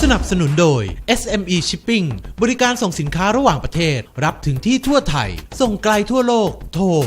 นับสนุนโดย SME Shipping บริการส่งสินค้าระหว่างประเทศรับถึงที่ทั่วไทยส่งไกลทั่วโลกโทร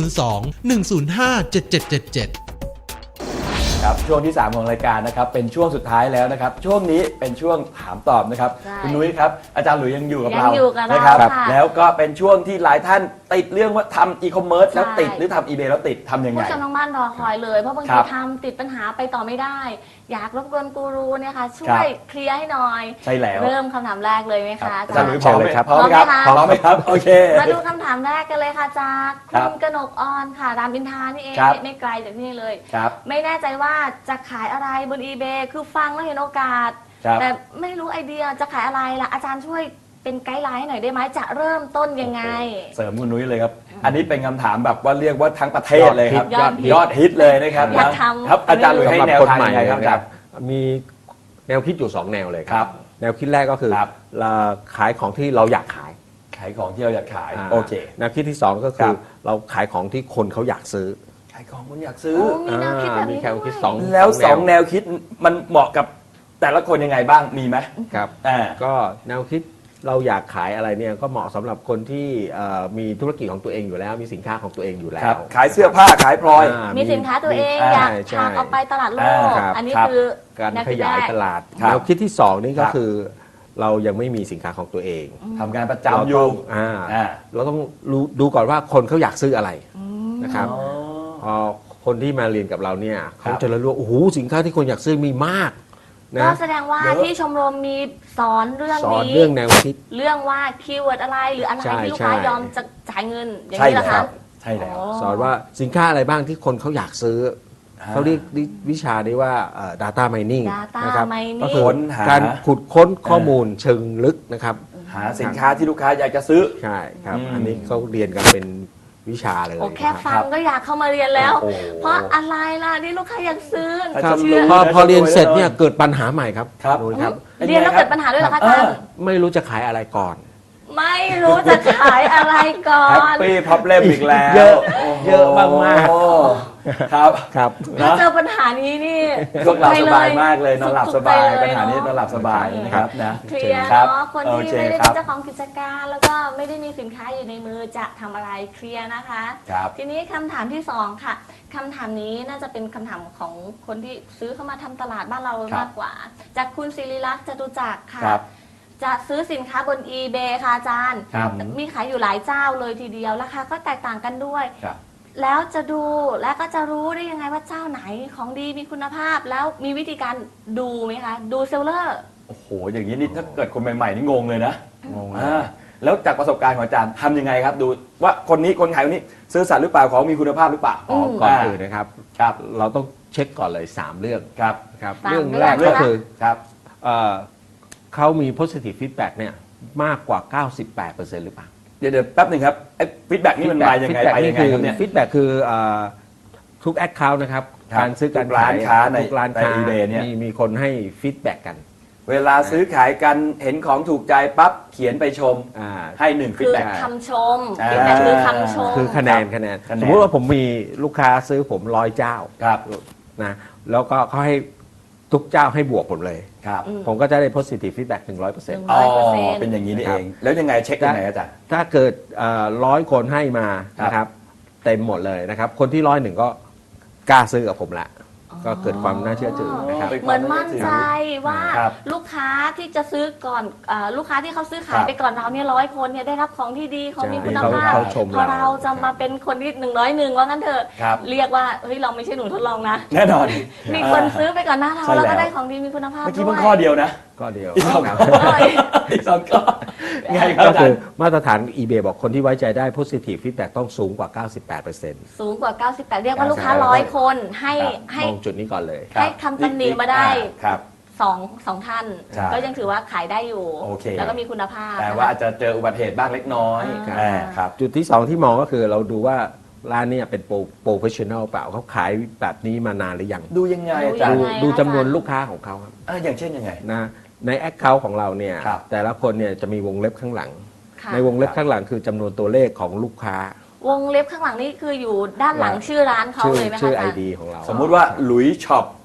02-105-7777 ครับช่วงที่ 3 ของรายการนะครับเป็นช่วงสุดท้ายแล้วนะครับช่วงนี้เป็นช่วงถามตอบนะครับคุณนุ้ยครับอาจารย์หลุยยังอยู่กับเรานะครับแล้วก็เป็นช่วงที่หลายท่านติดเรื่องว่าทำอีคอมเมิร์ซแล้วติดหรือทำอีเบแล้วติดทำยังไงผู้ชมทางบ้านรอคอยเลยเพราะบางทีทำติดปัญหาไปต่อไม่ได้อยากรบกวนกูรูเนี่ยค่ะช่วยเคลียร์ให้หน่อยใช่แล้วเริ่มคำถามแรกเลยไหมคะอาจารย์หลุยพร้อมเลยครับพร้อมไหมครับพร้อมไหมครับโอเคมาดูคำถามแรกกันเลยค่ะจากคุณกนกออนค่ะรามอินทรานี่เองไม่ไกลจากนี่เลยไม่แน่ใจว่าจะขายอะไรบน eBay คือฟังแล้วเห็นโอกาสแต่ไม่รู้ไอเดียจะขายอะไรล่ะอาจารย์ช่วยเป็นไกด์ไลน์ให้หน่อยได้ไหมจะเริ่มต้นยังไงเสริมคุณนุ้ยเลยครับอันนี้เป็นคำถามแบบว่าเรียกว่าทั้งประเทศเลยครับยอดฮิตเลยนะครับครับอาจารย์หลุยให้แนวทางยังไงครับอาจารย์มีแนวคิดอยู่2แนวเลยครับแนวคิดแรกก็คือเราขายของที่เราอยากขายของที่เราอยากขายโอเคแนวคิดที่2ก็คือเราขายของที่คนเขาอยากซื้อขายของคนอยากซื้อมีแนวคิดแบบนี้ด้วยแล้ว2แนวคิดมันเหมาะกับแต่ละคนยังไงบ้างมีไหมครับก็แนวคิดเราอยากขายอะไรเนี่ยก็เหมาะสำหรับคนที่มีธุรกิจของตัวเองอยู่แล้วมีสินค้าของตัวเองอยู่แล้วขายเสื้อผ้าขายพลอยมีสินค้าตัวเองอยากพาออกไปตลาดโลกอันนี้คือการขยายตลาดแนวคิดที่2นี่ก็คือเรายังไม่มีสินค้าของตัวเองทำงานประจำอยู่เราต้องดูก่อนว่าคนเขาอยากซื้ออะไรนะครับพอคนที่มาเรียนกับเราเนี่ยเขาจะรู้ว่าโอ้โหสินค้าที่คนอยากซื้อมีมากก็แสดงว่าที่ชมรมมีสอนเรื่องนี้เรื่องแนวคิดเรื่องว่าคีย์เวิร์ดอะไรหรืออะไรที่ลูกค้ายอมจะจ่ายเงินอย่างนี้เหรอครับใช่แล้วสอนว่าสินค้าอะไรบ้างที่คนเขาอยากซื้อเขาเรียกวิชานี้ว่า data mining นะครับก็คือการขุดค้นข้อมูลเชิงลึกนะครับหาสินค้าที่ลูกค้าอยากจะซื้อใช่ครับอันนี้เขาเรียนกันเป็นวิชาเลยแค่ฟังก็อยากเข้ามาเรียนแล้วเพราะอะไรล่ะนี่ลูกค้าอยากซื้อพอเรียนเสร็จเนี่ยเกิดปัญหาใหม่ครับเรียนแล้วเกิดปัญหาด้วยเหรอคะอาจารย์ไม่รู้จะขายอะไรก่อนไม่รู้จะขายอะไรก่อนแฮปปี้พับเล่มอีกแล้วเยอะมากครับถ้าเจอปัญหานี้นี่พวกเราสบายมากเลยนอนหลับสบายปัญหานี้นอนหลับสบายนะครับนะเคลียร์เนาะคนที่ไม่ได้เป็นเจ้าของกิจการแล้วก็ไม่ได้มีสินค้าอยู่ในมือจะทำอะไรเคลียร์นะคะทีนี้คำถามที่2ค่ะคำถามนี้น่าจะเป็นคำถามของคนที่ซื้อเข้ามาทำตลาดบ้านเรามากกว่าจากคุณศิริลักษณ์จตุจักรค่ะจะซื้อสินค้าบน eBay ค่ะอาจารย์มีขายอยู่หลายเจ้าเลยทีเดียวราคาก็แตกต่างกันด้วยแล้วจะดูและก็จะรู้ได้ยังไงว่าเจ้าไหนของดีมีคุณภาพแล้วมีวิธีการดูไหมคะดูเซลเลอร์โอ้โหอย่างนี้นี่ถ้าเกิดคนใหม่ๆนี่งงเลยนะงงแล้วจากประสบการณ์ของอาจารย์ทำยังไงครับดูว่าคนนี้คนขายคนนี้ซื้อสัตว์หรือเปล่าของมีคุณภาพหรือเปล่าก่อนอื่นนะครับเราต้องเช็คก่อนเลย3เรื่องครับเรื่องแรกก็คือเขามี positive feedback เนี่ยมากกว่า 98% หรือเปล่าเดี๋ยวแป๊บหนึ่งครับไอ้ฟีดแบ็กนี่มันมายังไงไปยังไงครับเนี่ยฟีดแบ็กคือทุกแอคเคาท์นะครับการซื้อการขายทุกร้านค้าเนี่ยมีคนให้ฟีดแบ็กกันเวลาซื้อขายกันเห็นของถูกใจปั๊บเขียนไปชมให้1ฟีดแบ็กคือคำชมฟีดแบ็กคือคำชมคือคะแนนสมมติว่าผมมีลูกค้าซื้อผม100 เจ้านะแล้วก็เขาให้ทุกเจ้าให้บวกผมเลยผมก็จะได้ positive feedback 100% อ๋อเป็นอย่างนี้นี่เองแล้วยังไงเช็คยังไงอาจารย์ถ้าเกิด100 คนให้มานะครับเต็มหมดเลยนะครับคนที่101ก็กล้าซื้อกับผมละก็เกิดความน่าเชื่อถือนะครับเหมือนมั่นใจว่าลูกค้าที่จะซื้อก่อนลูกค้าที่เขาซื้อขายไปก่อนเราเนี่ย100 คนเนี่ยได้รับของที่ดีเขามีคุณภาพพอเราจะมาเป็นคนที่101ว่างั้นเถอะเรียกว่าเฮ้ยเราไม่ใช่หนูทดลองนะแน่นอนมีคนซื้อไปก่อนหน้าเราแล้วก็ได้ของดีมีคุณภาพด้วยเมื่อกี้เพิ่งข้อเดียวนะข้อเดียวอีก2ข้อไงครับก็คือมาตรฐาน eBay บอกคนที่ไว้ใจได้ positive feedback ต้องสูงกว่า 98% สูงกว่า98เรียกว่าลูกค้า100 คนให้มองจุดนี้ก่อนเลยให้คำตำหนิมาได้สองท่านก็ยังถือว่าขายได้อยู่แล้วก็มีคุณภาพแต่ว่าอาจจะเจออุบัติเหตุบ้างเล็กน้อยครับจุดที่2ที่มองก็คือเราดูว่าร้านนี้เป็นโปรเฟชชั่นอลเปล่าเขาขายแบบนี้มานานหรือยังดูยังไงอาจารย์ดูจำนวนลูกค้าของเขาครับอย่างเช่นยังไงนะในแอคเคาท์ของเราเนี่ยแต่ละคนเนี่ยจะมีวงเล็บข้างหลังในวงเล็บข้างหลังคือจำนวนตัวเลขของลูกค้าวงเล็บข้างหลังนี่คืออยู่ด้านหลังชื่อร้านเขาเลยไหมคะชื่อ ID ของเราสมมุติว่าหลุยช็อป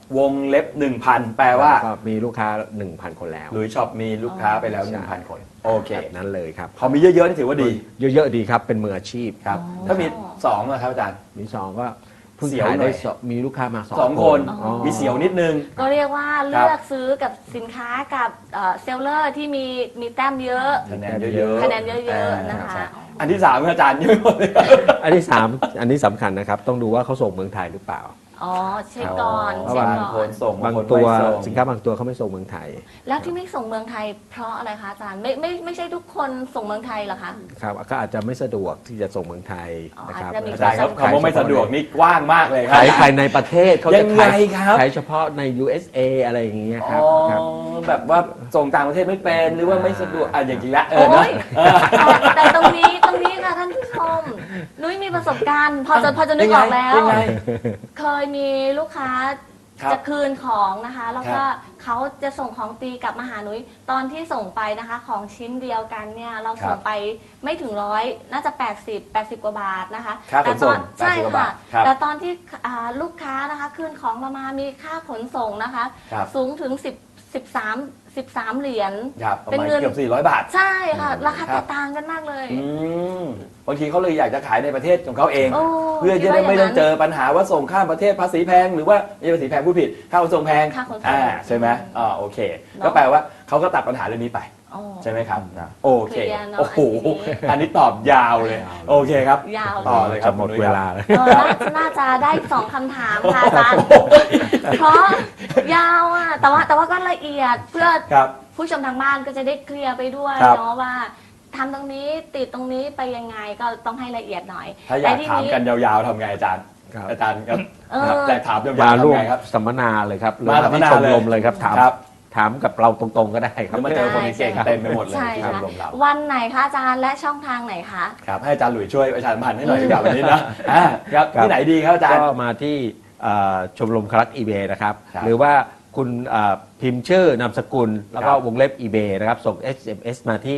วงเล็บ 1,000 แปลว่าก็มีลูกค้า 1,000 คนแล้วหลุยช็อปมีลูกค้าไปแล้ว 1,000 คน โอเคแบบนั้นเลยครับพอมีเยอะๆนี่ถือว่าดีเยอะๆดีครับเป็นมืออาชีพครับ ถ้ามี2นะครับอาจารย์มีสองก็เพิ่งเสียวขายหน่ได้อยมีลูกค้ามาสองคนอ๋อมีเสียวนิดนึงก็เรียกว่าเลือกซื้อกับสินค้ากับเซลเลอร์ที่มีแต้มเยอะคะแนนเยอะๆคะแนนเยอะๆนะคะใช่อันที่3อาจารย์ยังไม่หมดเลยอันที่สามอันนี้สำคัญนะครับ ต้องดูว่าเขาส่งเมืองไทยหรือเปล่าอ๋อเช็คก่อนเพราะเช็คบางก่คอน นส่งบางคนตัวไม่ส่งสินค้าบางตัวเขาไม่ส่งเมืองไทยแล้วที่ไม่ส่งเมืองไทยเพราะอะไรคะอาจารย์ไม่ใช่ทุกคนส่งเมืองไทยเหรอคะครับก็อาจจะไม่สะดวกที่จะส่งเมืองไทยนะครับอาจจะมีอาจารย์ครับคำว่าไม่สะดวกนี่กว้างมากเลยครัขายภายในประเทศเขายัจะงไงขายครับขายเฉพาะใน USA อะไรอย่างเงี้ยครับอ๋อครับแบบว่าส่งต่างประเทศไม่เป็นหรือว่าไม่สะดวกอ่ะอย่างจริงละโอ้นะยแต่ตรงนี้ค่ะท่านผู้ชมนุ้ยมีประสบการณ์ พอจะนึกออกแล้วยังไงเคยมีลูกค้าครับจะคืนของนะคะ แล้วก็ครับเขาจะส่งของตีกลับมาหานุ้ยตอนที่ส่งไปนะคะ ของชิ้นเดียวกันเนี่ยเราส่งไปไม่ถึง100น่าจะ80กว่าบาทนะคะค่าขนส่งใช่ 80กว่าบาค่ะทครับแต่ตอนที่ลูกค้านะคะคืนของเรามามีค่าขนส่งนะคะครับสูงถึง13เหรียญครับประเป็นมาณเงินเกือบ400 บาทใช่ค่ะ ราคาครัแตบกต่างกันมากเลยอืมบางทีเขาเลยอยากจะขายในประเทศของเขาเองโอ้เพื่อจะได้ไม่ต้องเจอปัญหาว่าส่งข้ามประเทศภาษีแพงหรือว่าไม่ใช่ภาษีแพงผู้ผิดค่าขนส่งแพงค่าขนส่งใช่ไหมโอเคเนอะก็แปลว่าเขาก็ตัดปัญหาเรื่องนี้ไปอ๋อใช่ไหมครับโอเคเคลียร์เนอะโอ้โหอันนี้อันนี้ตอบยาวเลย โอเคครับยาวต่อเลยครับหมดคุณนุ้เวยครับลาแล้วน่าจะได้สองคำถามค่ะอาจารย์เพราะยาวอ่ะแต่ว่าก็ละเอียดเพื่อครับผู้ชมทางบ้านก็จะได้เคลียร์ไปด้วยครับเนาะว่าทำตรงนี้ติดตรงนี้ไปยังไงก็ต้องให้ละเอียดหน่อยถ้าอยากแต่ทีถามกันยาวๆทำไงอาจารย์ครับอาจารย์ครับเอออยากถามยาวมาๆร่วทำมไงครับสัมมนาเลยครับหรือมาสัมมที่นาชมเลยรมเลยครับถามครับถามกับเราตรงๆก็ได้คหรัรืบอมาเจอคนเก่งๆเต็มไปหมดเลยใช่ที่ชมค่ะรมเราวันไหนคะอาจารย์และช่องทางไหนคะครับให้อาจารย์หลุยช่วยประชาสัมพันธ์ให้หน่อยดีกว่าวันนี้นะครับครับที่ไหนดีครับอาจารย์ก็มาที่ชมรมคลักอีเบนะครับครับหรือว่าคุณพิมพ์ชื่อนามสกุล แล้วก็ครับวงเล็บ eBay นะครับ ส่ง SMS มาที่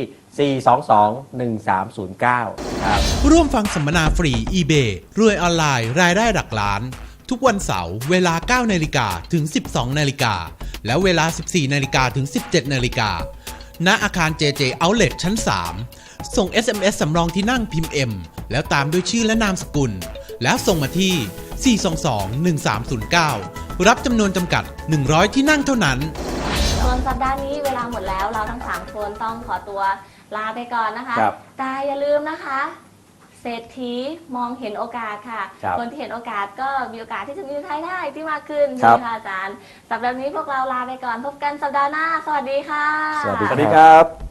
422-1309 ครับร่วมฟังสัมมนาฟรี eBay รวยออนไลน์รายได้หลักล้าน ทุกวันเสาร์เวลา 9 นาฬิกาถึง 12 นาฬิกา และเวลา 14 นาฬิกาถึง 17 นาฬิกา ณ อาคาร JJ Outlet ชั้น 3 ส่ง SMS สำรองที่นั่งพิมพ์ M แล้วตามด้วยชื่อและนามสกุล แล้วส่งมาที่ 422-1309 รับจำนวนจำกัด 100 ที่นั่งเท่านั้นส่วนสัปดาห์นี้เวลาหมดแล้วเราทั้ง 3 คนต้องขอตัวลาไปก่อนนะคะครับแต่อย่าลืมนะคะ เศรษฐีมองเห็นโอกาสค่ะครับคนที่เห็นโอกาสก็มีโอกาสที่จะมีรายได้ที่มากขึ้นครัใช่บไหมคะอาจารย์สัปดาห์นี้พวกเราลาไปก่อนพบกันสัปดาห์หน้า สวัสดีค่ะสวัสดีสวัสดีครับ